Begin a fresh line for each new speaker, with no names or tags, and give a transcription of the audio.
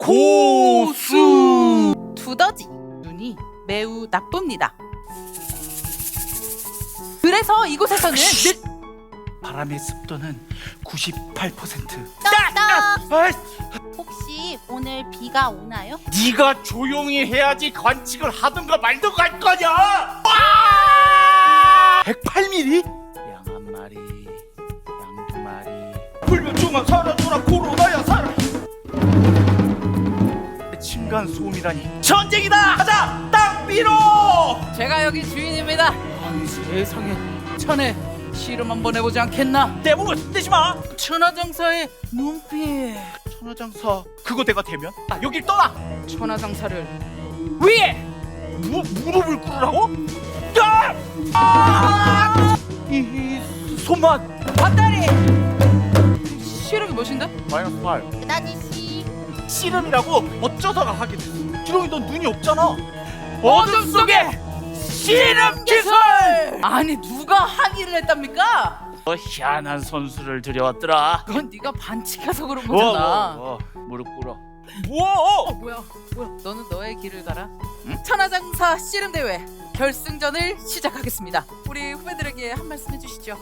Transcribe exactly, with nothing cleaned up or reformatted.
고수.
두더지 눈이 매우 나쁩니다. 그래서 이곳에서는 늘
바람의 습도는 구십팔 퍼센트.
떡떡.
아이,
혹시 오늘 비가 오나요?
네가 조용히 해야지 관측을 하든가 말든가 할 거냐. 백팔 밀리미터? 양 한 마리, 양 두 마리. 불면증아 사라져라, 코로나야 사라. 층간 소음이라니 전쟁이다. 가자, 땅 밀어.
제가 여기 주인입니다. 아니 세상에, 자네 실험 한번 해보지 않겠나?
내 몸을 손대지 마.
천하장사의 눈빛.
천하장사 그거 내가 되면 아, 여길 떠나.
천하장사를 위에.
무, 무릎을 꿇으라고? 야! 아! 이, 이 손만
밧다리. 실험이 무엇인데?
마이너스 팔.
그다지
씨름이라고 어쩌다가 하게 됐어. 주렁이 넌 눈이 없잖아.
어둠 속에 실험 기술. 아니 누가 항의를 했답니까?
어, 희한한 선수를 들여왔더라.
그건 네가 반칙해서 그런
뭐,
거잖아.
뭐, 뭐, 무릎 꿇어.
어,
뭐?
뭐야 뭐야 너는 너의 길을 가라. 응? 천하장사 씨름대회 결승전을 시작하겠습니다. 우리 후배들에게 한 말씀 해주시죠.